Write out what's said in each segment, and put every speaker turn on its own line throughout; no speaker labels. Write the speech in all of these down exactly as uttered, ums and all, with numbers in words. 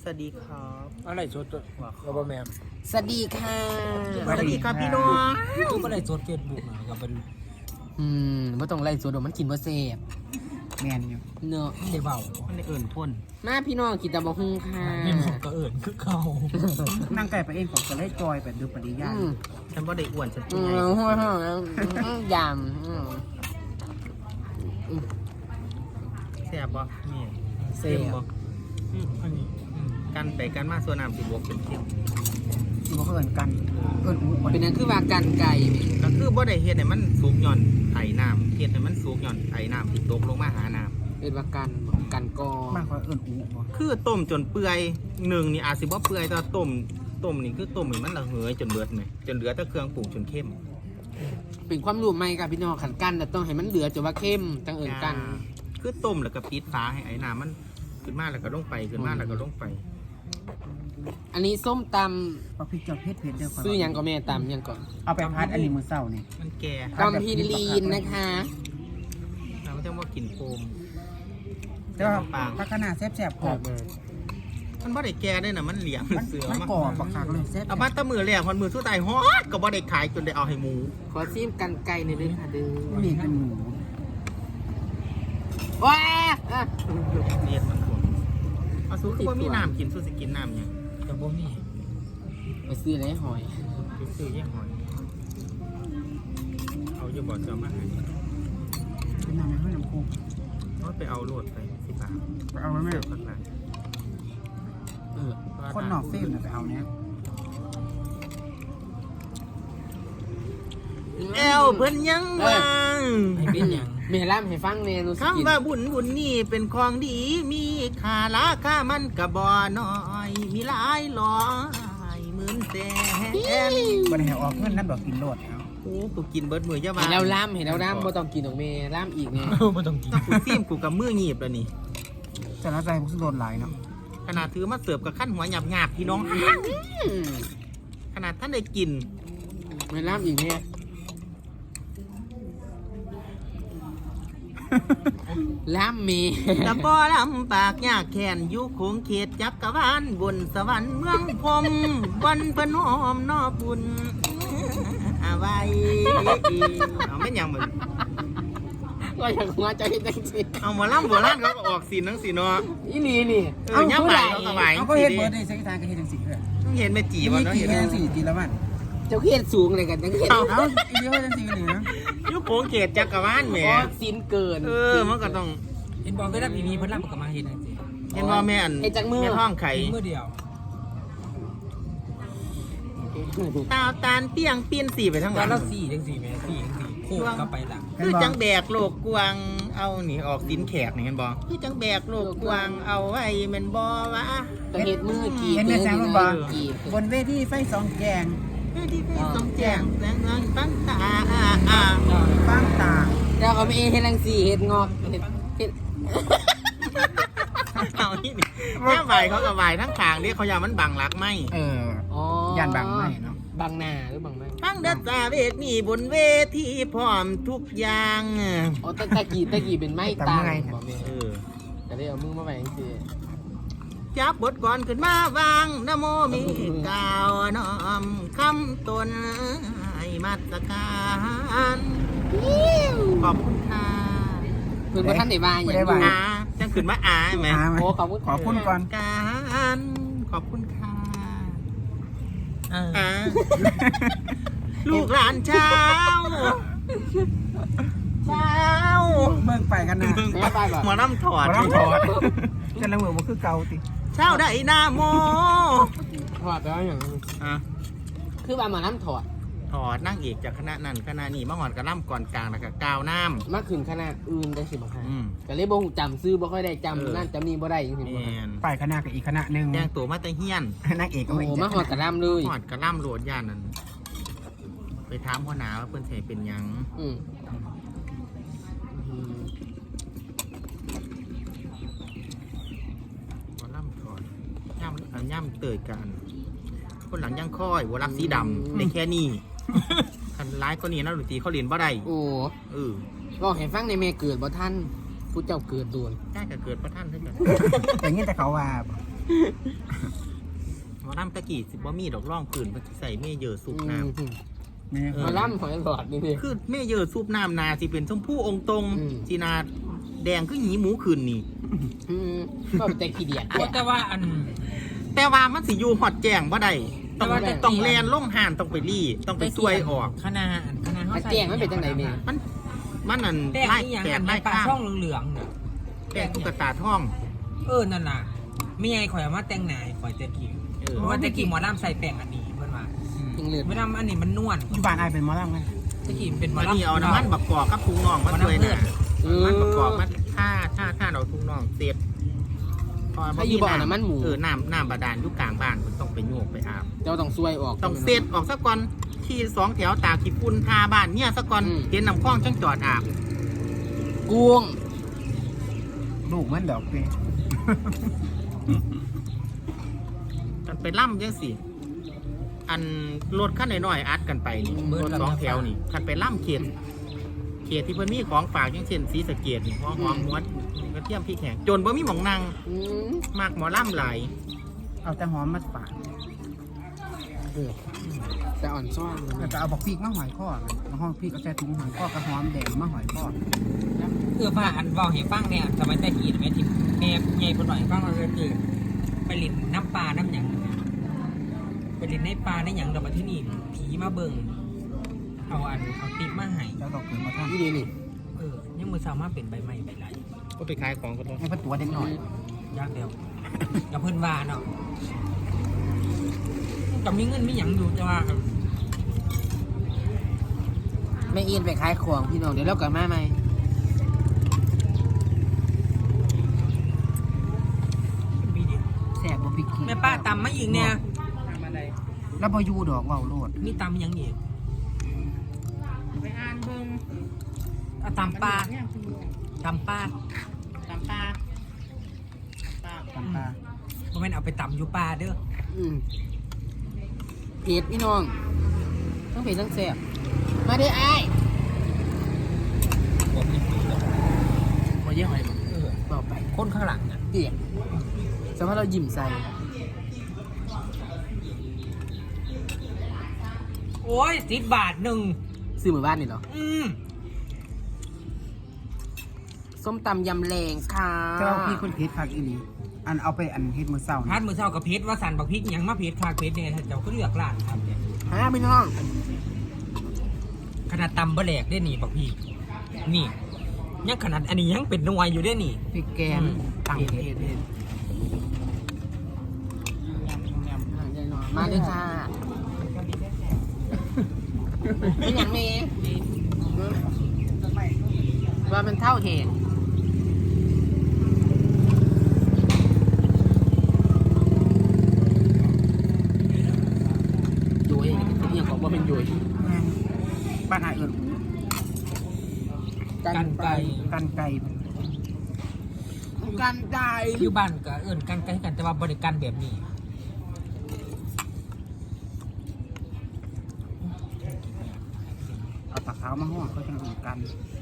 สวัสดีครับ
อะไรสดเราบะแมม
สวัสดีค่ะ
สวัสดีครับพี่น้อง
ทุกอะไรสดเฟซบุ๊กนะก็เป็น
อืมไม่ต้องไล่สวดอกมันกินบ่เสพ
แมนอยู่
เนาะ
ได้เบา
มันได้เอิ่นพ่น
มาพี่น้องกินตะบะฮุงค่ะ
เงินของก็เอิญคือเขา
นั่งไก่ไปเองของจะได้จอยแบบดูปริยา
อืม
ฉันว่าได้อ้วนฉัน
อื
เป็น
ม
ไง
หัวหอมยำอืม
แซ่บบ่นี่
เส
เข้ม
พ
บ่
อันนี้
กันไปกันมาส่วนน้ำสิบวกเป็นเข้ม
สิบ่เขาเอิ้นกันเอิ้นอู้
เป็นนั่นคือว่ากันไก่นี่
ก็คือบ่ได้เฮ็ดให้มันสุกหย่อนไถน้ำเฮ็ดให้มันสุกหย่อนไถน้ำที่ตกลงมาหาน้
เป็นว่ากันกันกอ
มากกว่าเอิ้นอู้บ่
ำคือต้มจนเปื่อยหนึ่งนี่อาจสิบ่เปื่อยแต่ว่าต้มต้มนี่คือต้มให้มันระเหยจนเบิดไหมจนเหลือแต่เครื่องปรุงจนเข้ม
เป็นความรู้ใหม่กับพี่น้องขันกันแต่ต้องให้มันเหลือจนว่าเข้มจังเอิญกัน
คือต้มแล้วก็ปิดฝาให้ไอ้น้ำมันขึ้นมาแล้วก็ลงไปขึ้นมาแล้วก็ลงไป
อันนี้ส้มต
เอาพริกเจ้าเผ็ดเผ็ดเด้อ
ำซื้อหยังก็แม่ตำหยังก่อน
เอาไปพัดอันนี้มื้อเช้านี่
มันแก่
ตำพิลีนนะคะ
เราไม่ต้องว่ากินโฟม
แต่ว่าพักขนาดแซ่บๆกรอบ
มันบ่ได้แก่ด้วยนะมันเหลียง
มัน
เสือ
มัน
มาก
รอบบักคักเลยแซ่บ
เอามาแตะมือแรกพันมือสู้ตายฮอดก็บ่ได้ขายจนได้เอาให้หมู
ขอซิมกันไก่ในอยเด้วยค่ะเด้อ
นี่เป็นหมู
ว้าอ่ะ
เรียนมันคนเอาสู้คือว่ามีน้ำกินสู้สิกินน้ำยัง
แต่บ่มี
ไปซื้ออะไรหอย
ไปซื้อแย่หอย เอาอยู่บ่อเจ้ามาให้
เป็นน้ำให้น้ำโคก
เอาไปเอาโลดไปสิบาท
ไปเอาไว้แม่
เสิร์ฟข้างหลัง
เออ
คนนอกเฟรมน่ะไปเอาเนี่ย
แอวเพิ่นยังวาง
ให้เป็นอย่าง
แม่ล่ำให้ฟังเมนูสกิน
คำว่าบุญบุญนี่เป็นของดีมีค่าราคามันกะบ่น้อย มีหลายร้อยหมื่นแสน
บ่ได้ให้ออกเงินนั่นดอกกินโลดเอา
โอ้กูกินเบิดมือเจ้าบ้า
เห็นแล้วล่ำเห็นแล้วล่ำบ่ต้องกินของเมล่ำอีกไง
ไม่ต้องกิน
ถ้ากูซีมกูกับมือหยีบแล้วนี่
แต่ละใจพวกสิโดนหลายเนาะ
ขนาดถือมาเสิร์ฟกับขั้นหัวหยาบหยาบๆพี่น้อง
อืม
ขนาดท่านได้กิน
ไม่ล่ำอีกไงล่ำเม
แต่บ่ลำปากยากแค้นอยู่คงเขตจักรวาลบนสวรรค์เมืองพรหมวันพนอมนอบุญอาไว้เอาไม่นหยังเหมือน
ก็อยากมาใจจังสิ
เอาหมาล่ำโบราณเขาก็ออกสีนังสีเนาะ
อีนี่นี่
เออย่ำใบเขาก็ไหว
เอาก็เฮ็ดเบิดได้สักทางก็เฮ็ดจังซี่เด้อ
ต้องเห็นแม่จี
มี
บ่เนาะ
กี่
เห็น
จังซี่จีละมัน
เจ้าเขียนสูงเลยกันจังเขียน
เอา
เอาอีเดียวจังซี่นี่นะ
อยู่โคงเขตจักรวาลแหม
อ๋อสินเกิน
เออมันก็ต้อง
เห็นบอกเวลาปีนี้เพิ่นรับกับมาเห็นจังซี่
เห็นว่าแม่อัน
เฮ็ดจากมือ
แม่ท้องไข่
เมื่อเดียว
ตาวตาลเปี้ยงเปี้ยนสีไปทั้งห
ตอ
ลั
น
ง
เราสี่จังสี่แม่สี่จังสี่โค้งก็ไปหลัง
คือจังแบกโลกกวางเอานี่ออกสินแขกนี่เห็นบ่คือจังแบกโลกกวางเอาไว้แมันบ่วะ
ต้องเฮ็ดมือกี่
เห็นแม่แสงมันบ่
กี่
บนเวทีไฟสองแกง
เฮ้ยที่พี่ต้องแจ้งแสงทางตั้งตาอ่าอ่า
ฟังตา
แล้วเขาไม่เฮ็ดรังสีเฮ็ดงอกเฮ็ดเฮ็ด
เอานี่นี่แม่ใบเขากับใบทั้งทางนี่เขายามันบังรักไหม
เออ
อ๋อย่
านบางไม้เนาะ
บางนาหรือบางไม้
ฟังเดัตตาเวทนี่บนเวทีพร้อมทุกอย่าง
อ๋อตะตะกี้ตะกี้เป็นไม้ตางบ่แม่
เออ
ก็ได้เอามือมาไว้จังซี่
จับบทก่อนขึ้นมาวางนะโมมีกล่าวน้อมคำตนให้มาตรการขอบคุณค่ะ
เพิ่นบ่ทันได้ว่าหยังอยู่
อาจังขึ้นมาอาไหม
หาไหม
โอ้ขอบคุณ
ขอบคุณก่อน
การขอบคุณค่ะ
เออ
อ่าลูกหลานเช้าเช้า
เบิ่งไปกันนะ
แม่ไปบ่
หมอน้ำถอด
บ่ต้องถอดจะละมือบ่คือเก่าติ
เช้าได้หน้าโม
ถอดแล้วหยัง
อ่ะ
คือว่ามาน้ำถอด
ถอดนั่งเอกจากคณะนั้นคณะนี้มาหอดกระล่ำก่อนกลางแล้วก็กาวน้
มาขึ้นคณะอื่นได้สิบ่ค่ะ
ำอืม
ก็เลยบ่ฮู้จำซื้อบ่ค่อยได้จำ
เออ
นั่นจำนี่บ่ได้จังซี่
แม
บ่ค่ะ
น
ไปคณะกับอีกคณะหนึง
แดงตัวมาแต่เฮียน
นางเอกก็
โอ้
ไม่
โห
อีก
มาหอดกระลำเลย
หอดกระล่ำโหลดย่านนั้นไปถามพ่อหนาว่าเพื่อนใส่เป็นหยัง
อืมอืม
กระล่ำถอดย่ำอันย่ำเตยกันคนหลังย่างค่อยวัวรักสีดำในแค่นี้คันร้ายก็นี่นะดนตรีเขาเรียนบ่ได้
โอ้
เออ
บอกให้ฟังในแม่เกิดบ่ท่านผู้เจ้าเกิดโดน
ได้ก็เกิดพระท่านด้วยกัน
แต่งี้แต่เขาว่า
หมอลำตะกี้สิบ่มีดอกร่องปืนมันสิใส่เมเยอร์ซุปน้ำ
อืม
แม่
มาล่ำหอยหลอดนี่พี่
คือเมเยอร์ซุปน้ำนาสิเป็นชมพู่องค์ตรง
อืม
สีนาแดงคือหยีหมูขึ้นนี่
อืมก็เป็นแต่ขี้เดียด
โอ้แต่ว่าอัน
แต่ว่ามันสิอยู่ฮอดแจ้งบ่ได้ต้อง
แต่ว่าแต่
ต้องแลนลงห่านต้องไปรี่ต้องไปช่วยออก
คณะคณะเขา
มา
ใส่
แจ้งมันเป็นจังไหนแม่
มันมันนั่น
แป้ง
ไล่
นี่ยัง
แป
อั
ด
น
ไล่
ปลา
ข้าง
ช่องเหลืองๆเนี่ย
แป้งตุ๊กตาท่อง
เออนั่นน่ะไม่ไงข่อยเอามาแต่งหน้าข่อยแต่กี้
เออ
เพราะว่าแต่กี้หมอลำใส่แป้งอันนี้เพิ่นว่า
ยังเหลือ
ไม่ทำอันนี้มันนวล
อยู่บ้านอายเป็นหมอลำไง
แต่กี้เป็นหมอ
วัน
ลำ
นี้เอาน้ำมันบักกอกกับทุงน่องมาช่วยนะ
เออ
มันประกอบมันท่าท่าท่าเอาทุงน่องเสร็จพอ
ถ้าอยู่บ่อน้ำมันหมู
เออน้ำน้ำบาดาลอยู่กลางบ้านมันต้องไปโยกไปอาบ
เจ้าต้องซวยออก
ต้องเสร็จออกสักก่อนขี่สองแถวตากขี้ปุ่นทาบ้านเนี่ยสักก่อน
อืม
เห็นน้ำคลองจังจอดอาบ
กวง
ลูกมันดอกเป
กันไปล่ำจังสิอันรถขั้นน้อยๆอัดกันไปนี่รถสองแถวนี่คันไปล่ำเขตเขตที่เพิ่นมีของฝากอย่างเช่นสีสะเกดนี่หัวหอมม้วนกระเทียมพริกแห้งจนบ่มีหม่องนั่ง
อืม
มากหมอล่ำหลาย
เอาแต่หอมมาฝาก
เออแต่อ่อนซ่อน
แล้วก็เอาบักพริกมาหอยข้อมาห้องพริกเอาใส่ถุงหอยข้อกับหอมแดงมาหอยข้อ
เออว่าอันเว้าให้ฟังเนี่ยสมัยแต่กี้แม่ที่แม่ใหญ่เพิ่นบอกให้ฟังว่าคือไปเล่นน้ำปลาน้ำหยังไปเล่นในปลาในหยังเดี๋ยวมาที่นี่ผีมาเบิ่งเอาอันเอาติ๊บมาให้
เจ้าดอกเกิดมาท่าน
นี่ดีนี่
เออยังมือสามารถเป็นใบไม้ใบไหล
ก็ไปขายของกันด้วย
ให้พระตัวเด็กหน่อย
ยากเดียว กับเพื่อนว่าเนาะกับมีเงินมีหยังอยู่จะว่ากัน
แม่เอียนไปขายของพี่น้องเดี๋ยวเรากลับมาใหม่
มีดิ
แซ่บบ่พริกขี้
แม่ป้าตำมาอีกเนี่ย
แล้วบ่อยู่ดอกเว้าโลด
มีตำหยังอีก
ไปอ่านเบิ่ง
เอาตำปลาตำปลา
ตำปลาปลา
ตำปลา
เพราะมันเอาไปตำอยู่ปลาเด้อ
อืมเผ็ดพี่น้องทั้งเผ็ดทั้งแซ่บมาเด้อไอ้าย
มาเยี่ยมอะไรเออ
ต่อไป
คนข้างหลังอ่ะ
เตี๋ยสมมติเรายิ้มใส่
โอ้ยสิบบาทหนึ่ง
ซื้อหมู่บ้านนี่เหรอ
อืม
ส้มตำยำแรงค่ะ
เจ้าพี่คนเพชรคักอีหลีอันเอาไปอันเฮ็ดมื้อเช้า
พั
นี่
ดมือเช้ากับเพชรว่าสันบักพริกหยังมาเพชรคาเพชรเนี่ยเจ้าก็เลือกร้านครับเนี่ย
ฮะพี่น้อง
ขนาดตำบะแหลกได้หนีบักพริกนี่ยังขนาดอันนี้ยังเป็นหน่วยอยู่ได้หนิ
พริกแกงตั้ง
เผ็ด
เฮ็ด
เผ็ดมาเลยค่ะเป็นอย่างเมย์ว่ามันเท่าเหตุยุ้ยยังบอกว่าเป็นยุ้ย
บ้านอายเอิ้น
กันไก่
กันไก่
กันไก่
อยู่บ้านก็เอื่นกันไก่กันแต่ว่าบริการแบบนี้
เอาตะขาวมาห่อเขาจังรู้กัน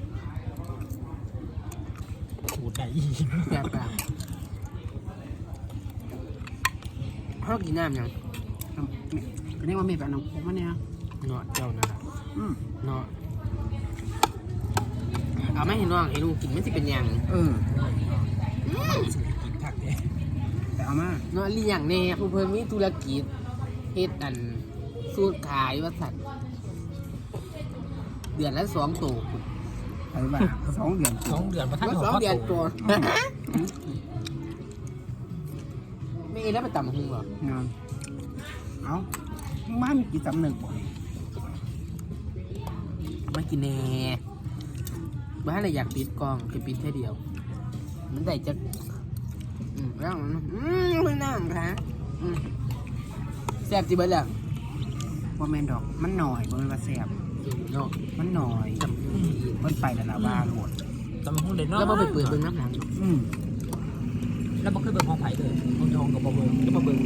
ถูใจ
แซ่บกันเขากินน้ำยัง
อันนี้ว่ามีแบบน้ำผมมาเนี่ย
เนาะเจ้านะ
อืม
เนาะเอาไม่เห็นน้องเห็นลุงกินมันจะเป็นยัง
เออ
กินผักเนี่ย
แต่เอามา
เนาะเลี้ยงแน่ผู้เพิ่นมีธุรกิจเฮ็ดอันสูตรขายว่าสัตว์เดือนละสองตัว
ไปบ้าสองเดือน
สองเดือนมาทัน
ว่า
หัว
สอง
ข้อ
เดือน
โต
ตัวไม่เอ็นแล้วไปต่ำหุงเหรอง
านเอามามีกี่สำนึกบ่
มากินแน่บ้านอะไรอยากปิดกล้องจะปิดแค่เดียว มันได้จะอืมแล้วมันอืมไม่น่าค่ะอืมแซ่บจีเบิร์ดแล้ว
ว่าแมนดอกมันหน่อยบ่แม่นว่าแซ่บ
เนาะ
มันหน่อยเพิ่นไปแล้วล่ะว่าโหลด
จำห้องเด่นเนาะ
แล้วมาไปเปิดเบิ้งน้ำหนัง
อืม
แล้วบ่เคยเบิ่งห้องไผ่เลยห้องทองกับบ่เบิ่ง
ก็มาเบิ้ง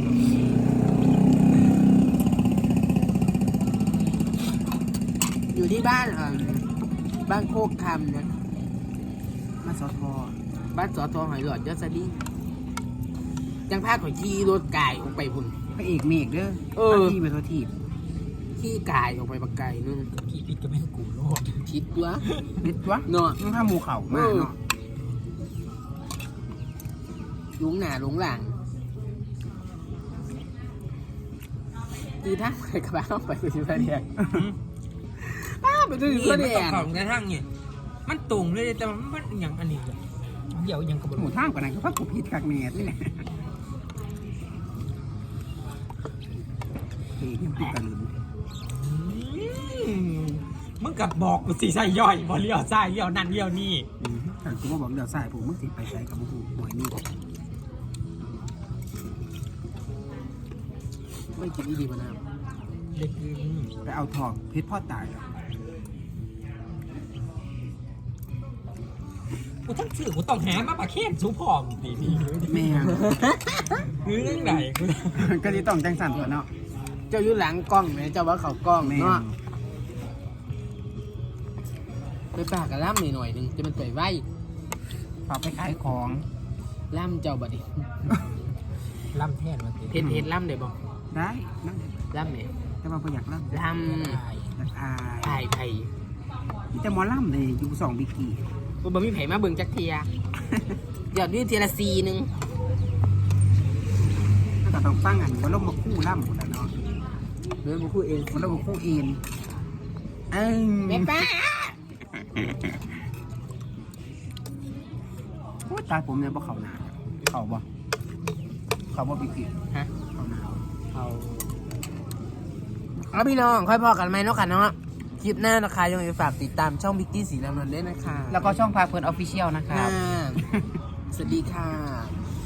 อยู่ที่บ้านอ่ะบ้านโคกคำนะ
มาสอทอ
บ้านสอทอหอยหลอดยอดสดิ้งจังพาข่อยขี่รถกายออกไปพุ่น
พระเอกเมฆเด้อ
เออ
ที่เป็นตัวทีบ
ขี่กายออกไปบักไก่นึง
ขี่ผิดก็ไม่กูโลด
ผิดตัว
นิดวะ
เนาะ
มึงถ้าหมูเข่ามาเนาะ
ลุงหน้าลุงหลังตีท่าไปกระบะไปตัวที่พระเดียงอ้าไปตัวที่
นี่
พระ
มัน
เดีย
ต้อง
ง
เข้าในทางเนี่ยมันตรงเลยแต่มันมันอย่างอันนี้อะเดี๋ยวยังกระบ
หมู
วน
ท่ามกว่านั้นก็พักกูผิดกักเมตรนี่แหละเฮ้ยยังพูดกันเลย
มึงกับบอกกูสีใส่ย่อยบอเลี้ยวใส่เลี้ยวนั่นเลี้ยวนี่
อืมแต่กูก็บอกเดี๋ยวใส่ผมมึงสิไปใส่กับกูหวยนี่
ไม่กินอีดีมานาว
เด็กอืม
ไปเอาทองเพชรพ่อตายแล้ว
กูทั้งสื่อกูต้องแหมาปะเคนสูผอมดีดี
แม่ง
คือเรื่องไหนกู
ก็ที่ต้องจังสันตัวเนาะ
เจ้าอยู่หลังกล้องไหมเจ้าว่าเขากล้อง
แม่ง
เนาะไปปากกับล่ำหน่อยหน่อยๆหนึงจะมันไปไหว
ฝากไปขายของ
ล่ำเจ้าบัดดิ
ล่ำแท่นมาติ
เพชรเพชรล่ำได้บอก
ได้นั่ง
ล่ำเนี่ย
แต่ว่าประหยัดล่ำ
ล่
อยากอาย
ำไผ่ไผ่
มีแต่หมอล่ำเลยอยู่สองบิกี้
กูบ่มีไผ่มาเบิ่งจักเทียหยอดวิเทียละซีหนึง
ก็ต้องฟังอันว่าลงมาคู่ล่ำหมดแล้วเนาะ
เรื่องกูพูดเอง
มันลงมาคู่เอ็นเอ้ย
แม่ป้า
โอ้ยตายผมเนี่ยบ่เข่าหนาเข่าบ่เข่าบ่บิกี้
ฮะ
เข่าหนา
เอาเอาพี่น้องค่อยพอกันไหมเนาะค่ะเนาะคลิปหน้านะคะยังไงฝากติดตามช่องบิ๊กกี้สีน้ำเงินด้วยนะคะ
แล้วก็ช่องพาเพลินออฟฟิเชียลนะคะ
อ่าสวัสดีค่ะ
ส